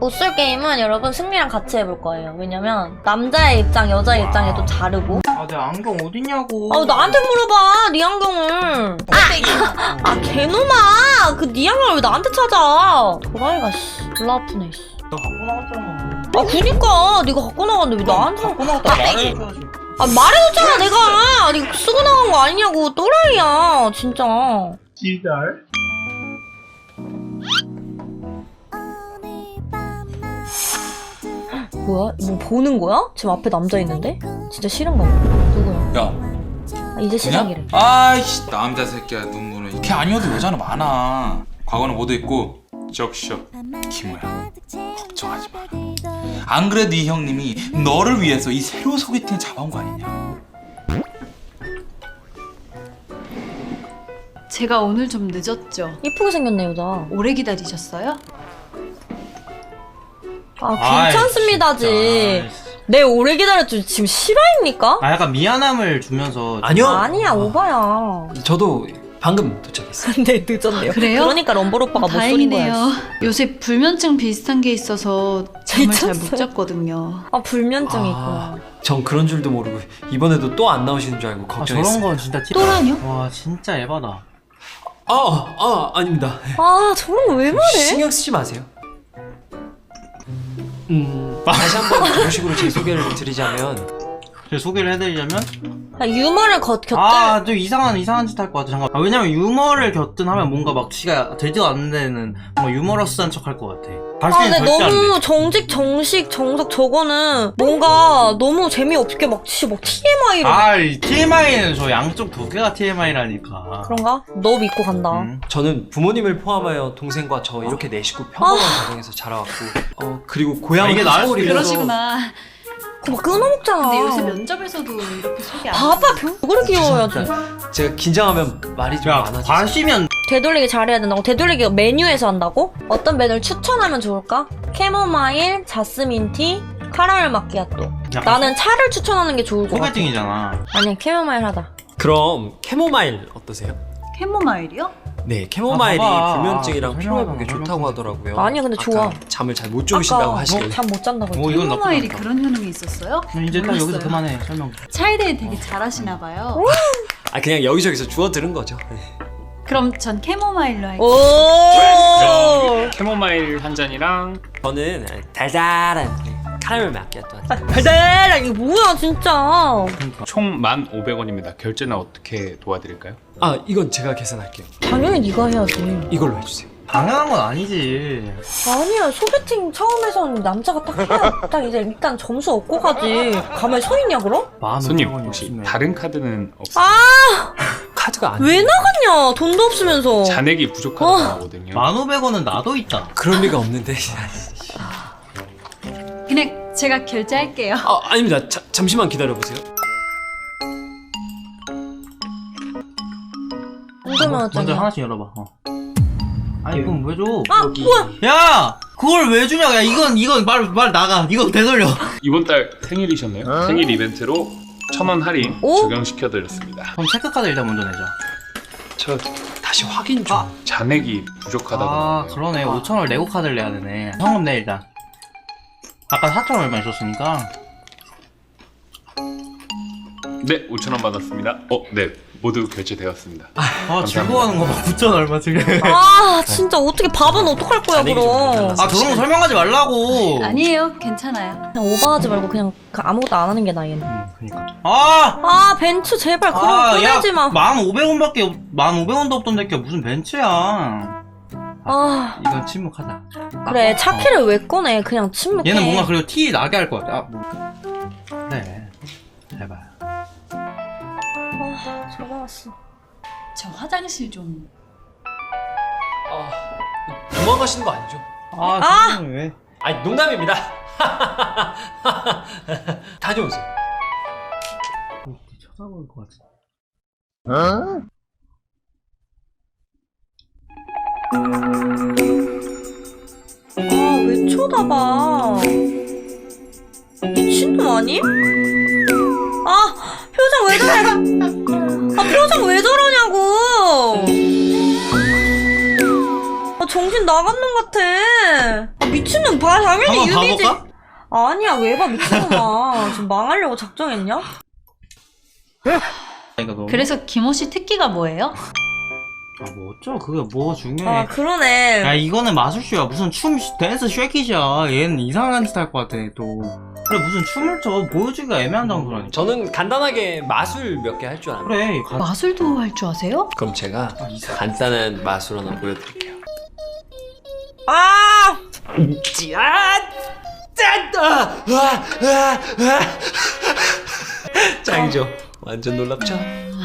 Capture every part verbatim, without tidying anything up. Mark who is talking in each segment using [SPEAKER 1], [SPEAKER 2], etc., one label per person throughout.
[SPEAKER 1] 보스 게임은 여러분 승리랑 같이 해볼 거예요. 왜냐면 남자의 입장, 여자의 입장이 또 다르고.
[SPEAKER 2] 아, 내 안경 어딨냐고.
[SPEAKER 1] 아, 나한테 물어봐, 네 안경을. 아, 아, 개놈아! 그 네 안경을 왜 나한테 찾아? 도라이가 씨, 졸라 아프네. 씨.
[SPEAKER 2] 너 갖고 나갔잖아.
[SPEAKER 1] 아, 그니까 네가 갖고 나갔는데 왜 나한테
[SPEAKER 2] 갖고 나갔다 말해줘야지.
[SPEAKER 1] 아, 말해줬잖아 내가. 네가 쓰고 나간 거 아니냐고. 또라이야 진짜.
[SPEAKER 2] 지달.
[SPEAKER 1] 뭐야? 뭐 보는 거야? 지금 앞에 남자 있는데? 진짜 싫은가 봐. 누구야?
[SPEAKER 3] 야,
[SPEAKER 1] 아, 이제 시작이래.
[SPEAKER 3] 아이씨, 남자 새끼야, 눈물은. 걔 아니어도 여자는 많아. 과거는 모두 있고, 적셔. 김우야, 걱정하지 마. 안 그래도 이 형님이 너를 위해서 이 새로 소개팅을 잡아온 거 아니냐.
[SPEAKER 4] 제가 오늘 좀 늦었죠?
[SPEAKER 1] 이쁘게 생겼네 여자.
[SPEAKER 4] 오래 기다리셨어요?
[SPEAKER 1] 아, 괜찮습니다지.
[SPEAKER 2] 아이,
[SPEAKER 1] 내 오래 기다렸지 지금 실화입니까?
[SPEAKER 2] 아, 약간 미안함을 주면서.
[SPEAKER 5] 아니요.
[SPEAKER 1] 아니야 오바야.
[SPEAKER 5] 저도 방금 도착했어요.
[SPEAKER 1] 근데 늦었네요.
[SPEAKER 4] 그래요?
[SPEAKER 1] 그러니까 럼블 오빠가 못 쏘는 거야.
[SPEAKER 4] 다행이네요. 요새 불면증 비슷한 게 있어서 잠을 잘 못
[SPEAKER 1] 미쳤어요.
[SPEAKER 4] 잤거든요.
[SPEAKER 1] 아 불면증이
[SPEAKER 5] 아,
[SPEAKER 1] 있구나.
[SPEAKER 5] 전 그런 줄도 모르고 이번에도 또 안 나오시는 줄 알고
[SPEAKER 2] 아,
[SPEAKER 5] 걱정했어요.
[SPEAKER 2] 저런 건 진짜 티.
[SPEAKER 4] 또라뇨?
[SPEAKER 2] 와, 진짜 에바다.
[SPEAKER 5] 아, 아, 아닙니다.
[SPEAKER 1] 아 저런 거 왜 말해?
[SPEAKER 5] 신경 쓰지 마세요. 음, 다시 한번 그런 식으로 제 소개를 드리자면
[SPEAKER 2] 제가 소개를 해드리자면.
[SPEAKER 1] 아, 유머를 겉 곁들.
[SPEAKER 2] 아, 좀 이상한, 이상한 짓 할 것 같아. 잠깐. 아, 왜냐면 유머를 곁든 하면 뭔가 막 지가 되지도 않는 데는 뭔가 유머러스한 척 할 것 같아.
[SPEAKER 1] 아
[SPEAKER 2] 발신이
[SPEAKER 1] 근데
[SPEAKER 2] 절대 안
[SPEAKER 1] 너무
[SPEAKER 2] 돼.
[SPEAKER 1] 정직 정식 정석 저거는 뭔가 너무 재미없게 막 진짜 막 티엠아이로
[SPEAKER 2] 아, 이 티엠아이는 저 양쪽 두 개가 티엠아이라니까.
[SPEAKER 1] 그런가? 너 믿고 간다.
[SPEAKER 2] 음.
[SPEAKER 5] 저는 부모님을 포함하여 동생과 저 이렇게 네 식구 평범한 가정에서 자라왔고 어, 그리고 고향은
[SPEAKER 2] 아, 이게 나을 수도
[SPEAKER 5] 서울이라서
[SPEAKER 4] 그러시구나.
[SPEAKER 1] 그거 막 끊어먹잖아.
[SPEAKER 4] 근데 요새 면접에서도 이렇게 소개 안
[SPEAKER 1] 봐봐 병그를 귀여워야지.
[SPEAKER 5] 제가 긴장하면 말이 좀
[SPEAKER 2] 야,
[SPEAKER 5] 많아지죠.
[SPEAKER 2] 과시면.
[SPEAKER 1] 되돌리기 잘해야 된다고? 되돌리기 메뉴에서 한다고? 어떤 메뉴를 추천하면 좋을까? 캐모마일, 자스민티, 카라멜 마키아또. 나는 차를 추천하는 게 좋을 것 같아.
[SPEAKER 2] 소개팅이잖아.
[SPEAKER 1] 아니 캐모마일 하다.
[SPEAKER 5] 그럼 캐모마일 어떠세요?
[SPEAKER 4] 캐모마일이요?
[SPEAKER 5] 네, 캐모마일이
[SPEAKER 2] 아, 봐봐.
[SPEAKER 5] 불면증이랑
[SPEAKER 2] 아,
[SPEAKER 5] 피로 회복에
[SPEAKER 2] 설명하잖아,
[SPEAKER 5] 좋다고 하더라고요.
[SPEAKER 1] 아니야, 근데
[SPEAKER 5] 아까
[SPEAKER 1] 좋아.
[SPEAKER 5] 잠을 잘 못 주무신다고
[SPEAKER 1] 아까
[SPEAKER 5] 하시길래.
[SPEAKER 1] 잠 못 잔다고
[SPEAKER 2] 뭐
[SPEAKER 1] 했지.
[SPEAKER 2] 이건 나쁘지
[SPEAKER 4] 캐모마일이
[SPEAKER 2] 않다.
[SPEAKER 4] 그런 효능이 있었어요?
[SPEAKER 2] 이제 딱 여기서
[SPEAKER 4] 몰랐어요.
[SPEAKER 2] 그만해, 설명.
[SPEAKER 4] 차이데이 되게 잘하시나 봐요.
[SPEAKER 5] 아, 그냥 여기저기서 주워 들은 거죠.
[SPEAKER 4] 그럼 전 캐모마일로 할게요.
[SPEAKER 1] 오.
[SPEAKER 6] 캐모마일 한 잔이랑
[SPEAKER 5] 저는 달달한 카라멜 마키아토 한 잔.
[SPEAKER 1] 달달한 이거 뭐야 진짜.
[SPEAKER 6] 총 만 오백 원입니다. 결제는 어떻게 도와드릴까요?
[SPEAKER 5] 아, 이건 제가 계산할게요.
[SPEAKER 1] 당연히 네가 해야지.
[SPEAKER 5] 이걸로 해주세요.
[SPEAKER 2] 당연한 건 아니지.
[SPEAKER 1] 아니야 소개팅 처음에선 남자가 딱 해야 딱 이제 일단 점수 얻고 가지. 가만히 서 있냐 그럼?
[SPEAKER 2] 만
[SPEAKER 6] 손님
[SPEAKER 2] 오백 원이
[SPEAKER 6] 혹시
[SPEAKER 2] 없으면.
[SPEAKER 6] 다른 카드는 없어요?
[SPEAKER 1] 아
[SPEAKER 5] 카드가 안
[SPEAKER 1] 왜
[SPEAKER 5] 돼요.
[SPEAKER 1] 나갔냐 돈도 없으면서.
[SPEAKER 6] 잔액이 부족하다고
[SPEAKER 1] 어.
[SPEAKER 6] 나오거든요.
[SPEAKER 2] 만 오백 원은 나도 있다.
[SPEAKER 5] 그럴 리가 없는데.
[SPEAKER 4] 그냥 제가 결제할게요.
[SPEAKER 5] 아, 아닙니다. 자, 잠시만 기다려보세요.
[SPEAKER 1] 궁금하잖아.
[SPEAKER 2] 먼저 하나씩 열어봐. 어. 아니 이건 왜 줘?
[SPEAKER 1] 아 뭐야?
[SPEAKER 2] 야, 그걸 왜 주냐? 야, 이건 이건 말 말 나가. 이거 되돌려.
[SPEAKER 6] 이번 달 생일이셨네요. 생일 이벤트로 천 원 할인
[SPEAKER 1] 오?
[SPEAKER 6] 적용시켜드렸습니다.
[SPEAKER 2] 그럼 체크카드 일단 먼저 내자.
[SPEAKER 5] 저 다시 확인 좀.
[SPEAKER 2] 아.
[SPEAKER 6] 잔액이 부족하다고
[SPEAKER 2] 아,
[SPEAKER 6] 나오네요.
[SPEAKER 2] 그러네. 오천 원을 레고 카드를 내야 되네. 현금 내 일단. 아까 사천 원 얼마 있었으니까.
[SPEAKER 6] 네, 오천 원 받았습니다. 어, 네, 모두 결제되었습니다.
[SPEAKER 2] 아, 즐거워하는 거 봐. 구천 얼마 지금.
[SPEAKER 1] 아 진짜 어떻게 밥은 어떡할 거야
[SPEAKER 5] 잔액이 좀
[SPEAKER 1] 그럼.
[SPEAKER 5] 달라서.
[SPEAKER 2] 아, 저런 거 설명하지 말라고.
[SPEAKER 4] 아니에요. 괜찮아요.
[SPEAKER 1] 그냥 오버하지 말고 그냥 그 아무것도 안 하는 게 나아 얘는.
[SPEAKER 2] 음, 그니까. 아!
[SPEAKER 1] 아 벤츠 제발 그런 거 꺼내지 마.
[SPEAKER 2] 만 오백 원밖에 없, 만 오백 원도 없던 데께 무슨 벤츠야.
[SPEAKER 1] 아
[SPEAKER 2] 이건 침묵하자.
[SPEAKER 1] 그래
[SPEAKER 2] 어.
[SPEAKER 1] 차키를 왜 꺼내 그냥 침묵해.
[SPEAKER 2] 얘는 뭔가 그리고 티 나게 할 것 같아. 아, 뭐. 그래. 제발.
[SPEAKER 1] 아 전화 왔어.
[SPEAKER 4] 저 화장실 좀.
[SPEAKER 5] 아, 도망가시는 거 아니죠?
[SPEAKER 2] 아,
[SPEAKER 1] 아!
[SPEAKER 2] 선생님 왜?
[SPEAKER 5] 아니, 농담입니다. 다녀오세요.
[SPEAKER 2] 쳐다볼 것 같아.
[SPEAKER 1] 아 왜 쳐다봐. 미친놈 아니? 아 표정 왜 저래. 아 표정 왜 저러냐고. 아 정신 나간 놈 같아. 아, 미친놈 봐. 당연히
[SPEAKER 2] 한번
[SPEAKER 1] 유미지.
[SPEAKER 2] 봐볼까?
[SPEAKER 1] 아니야, 왜 봐, 미친놈아. 지금 망하려고 작정했냐?
[SPEAKER 2] 그러니까 너무.
[SPEAKER 4] 그래서 김호 씨 특기가 뭐예요?
[SPEAKER 2] 아, 뭐 어쩌? 그게 뭐가 중요해?
[SPEAKER 1] 아, 그러네.
[SPEAKER 2] 야, 이거는 마술쇼야. 무슨 춤 댄스 쉐킷이야. 얘는 이상한 짓 할 것 같아 또. 그래, 무슨 춤을 춰 보여주기가 애매한 장소라니까.
[SPEAKER 5] 저는 간단하게 마술 몇 개 할 줄 압니다.
[SPEAKER 2] 그래. 가...
[SPEAKER 4] 마술도 할 줄 아세요?
[SPEAKER 5] 그럼 제가
[SPEAKER 2] 아, 이상.
[SPEAKER 5] 간단한 마술 하나 보여드릴게요.
[SPEAKER 1] 아!
[SPEAKER 5] 짠! 짠! 아! 아! 아! 아! 짱이죠? 완전 놀랍죠?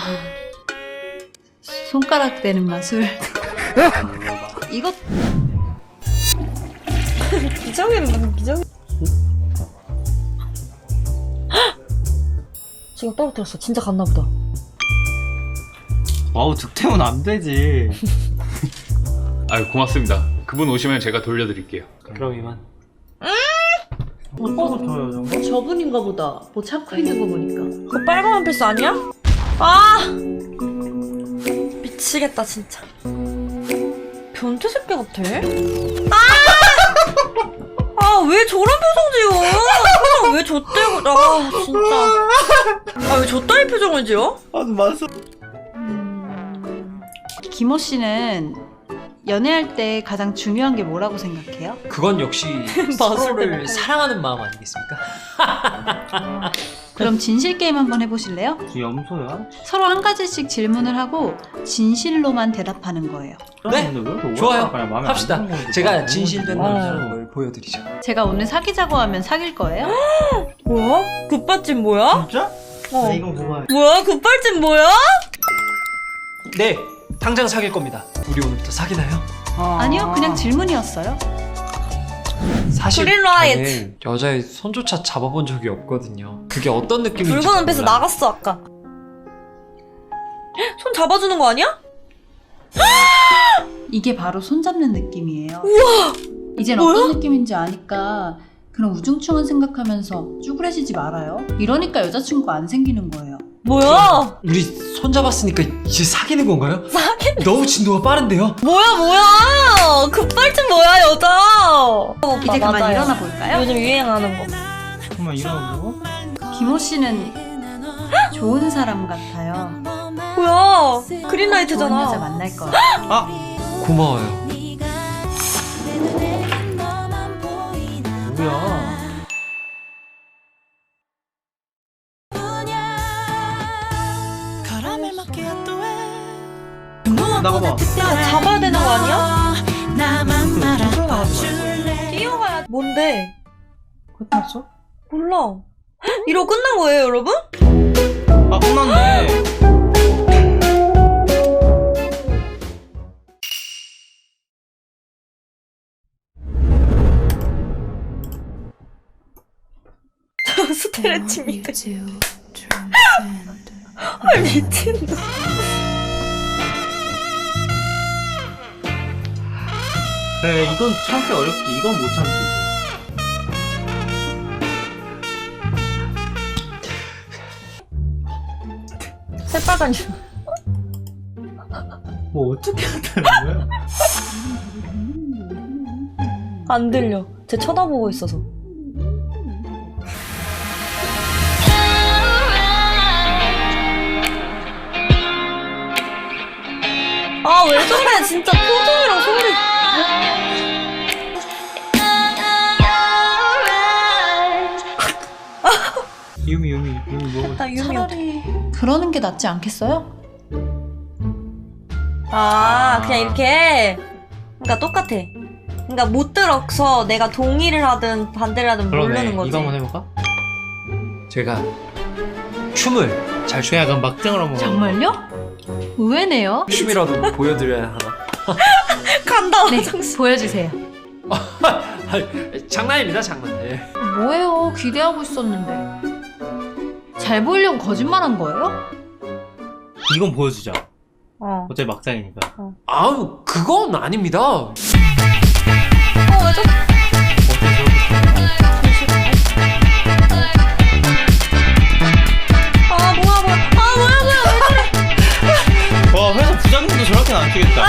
[SPEAKER 4] 손가락 대는 마술. 이거
[SPEAKER 1] 기적이는 방금 기적. 지금 떨어뜨렸어. 진짜 갔나 보다.
[SPEAKER 2] 와우, 득템은 안 되지.
[SPEAKER 6] 아유 고맙습니다. 그분 오시면 제가 돌려드릴게요.
[SPEAKER 5] 그럼 이만.
[SPEAKER 2] 어, 저요, 정말.
[SPEAKER 4] 저분인가 보다. 뭐 찾고 있는 거 보니까.
[SPEAKER 1] 그 빨간 원피스 아니야? 아! 미치겠다, 진짜. 변태 새끼 같아? 아! 아, 왜 저런 표정 지어? 표정 왜 좆대고, 아, 진짜. 아, 왜 좆다리 표정을 지어?
[SPEAKER 2] 아, 맞어.
[SPEAKER 4] 김호 씨는 연애할 때 가장 중요한 게 뭐라고 생각해요?
[SPEAKER 5] 그건 역시 서로를 사랑하는 마음 아니겠습니까?
[SPEAKER 4] 그럼 진실 게임 한번 해보실래요?
[SPEAKER 2] 지 염소야?
[SPEAKER 4] 서로 한 가지씩 질문을 하고 진실로만 대답하는 거예요.
[SPEAKER 5] 네,
[SPEAKER 2] 근데 왜 이렇게
[SPEAKER 5] 좋아요.
[SPEAKER 2] 오해할까? 마음에 안
[SPEAKER 5] 합시다.
[SPEAKER 2] 드는 건지
[SPEAKER 5] 제가
[SPEAKER 2] 너무
[SPEAKER 5] 진실된
[SPEAKER 2] 어.
[SPEAKER 5] 남자라는 걸 보여드리죠.
[SPEAKER 4] 제가 오늘 사귀자고 하면 사귈 거예요?
[SPEAKER 1] 뭐야? 굿발집 뭐야?
[SPEAKER 2] 진짜?
[SPEAKER 1] 어.
[SPEAKER 2] 나 이거 좋아해.
[SPEAKER 1] 뭐야? 굿발집 뭐야?
[SPEAKER 5] 네, 당장 사귈 겁니다. 우리 오늘부터 사귀나요?
[SPEAKER 4] 아니요, 그냥 질문이었어요.
[SPEAKER 5] 사실
[SPEAKER 1] 그린라이트.
[SPEAKER 5] 저는 여자의 손조차 잡아본 적이 없거든요. 그게 어떤 느낌인지
[SPEAKER 1] 붉은 원피스
[SPEAKER 5] 몰라요.
[SPEAKER 1] 나갔어, 아까. 손 잡아주는 거 아니야?
[SPEAKER 4] 이게 바로 손잡는 느낌이에요. 우와! 이젠 어떤 느낌인지 아니까 그런 우중충한 생각하면서 쭈그레지지 말아요. 이러니까 여자친구가 안 생기는 거예요.
[SPEAKER 1] 뭐야?
[SPEAKER 5] 우리 손잡았으니까 이제 사귀는 건가요? 사귀? 너무 진도가 빠른데요?
[SPEAKER 1] 뭐야, 뭐야? 굿발집 뭐야, 여자?
[SPEAKER 4] 이제 그만 일어나 볼까요?
[SPEAKER 1] 요즘 유행하는 거.
[SPEAKER 2] 정말 이러고?
[SPEAKER 4] 김호 씨는 좋은 사람 같아요.
[SPEAKER 1] 뭐야?
[SPEAKER 4] 좋은 여자
[SPEAKER 1] 그린라이트잖아.
[SPEAKER 4] 만날 거예요.
[SPEAKER 2] 아!
[SPEAKER 5] 고마워요.
[SPEAKER 2] 뭐야? 나가봐.
[SPEAKER 1] 야, 잡아야 되는 거 아니야?
[SPEAKER 2] 춤춰 나가지 말고.
[SPEAKER 1] 뛰어가야. 뭔데?
[SPEAKER 2] 끝났어?
[SPEAKER 1] 몰라. 이러고 끝난 거예요, 여러분?
[SPEAKER 2] 아, 끝났네.
[SPEAKER 1] 스트레칭이다. 아, 미친다.
[SPEAKER 2] 그래, 이건 참기 어렵지. 이건 못 참지.
[SPEAKER 1] 새빨간 줄.
[SPEAKER 2] 뭐 어떻게 한다는 거야?
[SPEAKER 1] 안 들려. 쟤 쳐다보고 있어서. 아, 왜 저래? 진짜 표정이랑 소리.
[SPEAKER 2] 유미, 유미, 유미 뭐.
[SPEAKER 1] 나 유미.
[SPEAKER 4] 차라리 그러는 게 낫지 않겠어요?
[SPEAKER 1] 아, 그냥 이렇게. 그러니까 똑같아. 그러니까 못 들어서 내가 동의를 하든 반대를 하든 모르는 거지.
[SPEAKER 2] 이거 한번 해볼까?
[SPEAKER 5] 제가 춤을 잘 추.
[SPEAKER 2] 그냥 그럼 막장으로 한번.
[SPEAKER 4] 정말요? 의외네요.
[SPEAKER 5] 춤이라도 보여드려야 하나?
[SPEAKER 1] 간다.
[SPEAKER 4] 네, 보여주세요.
[SPEAKER 5] 아니, 장난입니다, 장난. 예.
[SPEAKER 4] 뭐예요? 기대하고 있었는데. 잘 보이려고 거짓말한 거예요?
[SPEAKER 2] 이건 보여주자.
[SPEAKER 1] 어.
[SPEAKER 2] 어차피 막장이니까.
[SPEAKER 5] 아우, 그건 아닙니다.
[SPEAKER 1] 어, 왜 저... 아, 뭐야, 뭐야. 아, 뭐야, 뭐야. 왜 저래?
[SPEAKER 2] 와, 회사 부장님도 저렇게는 안 뛰겠다.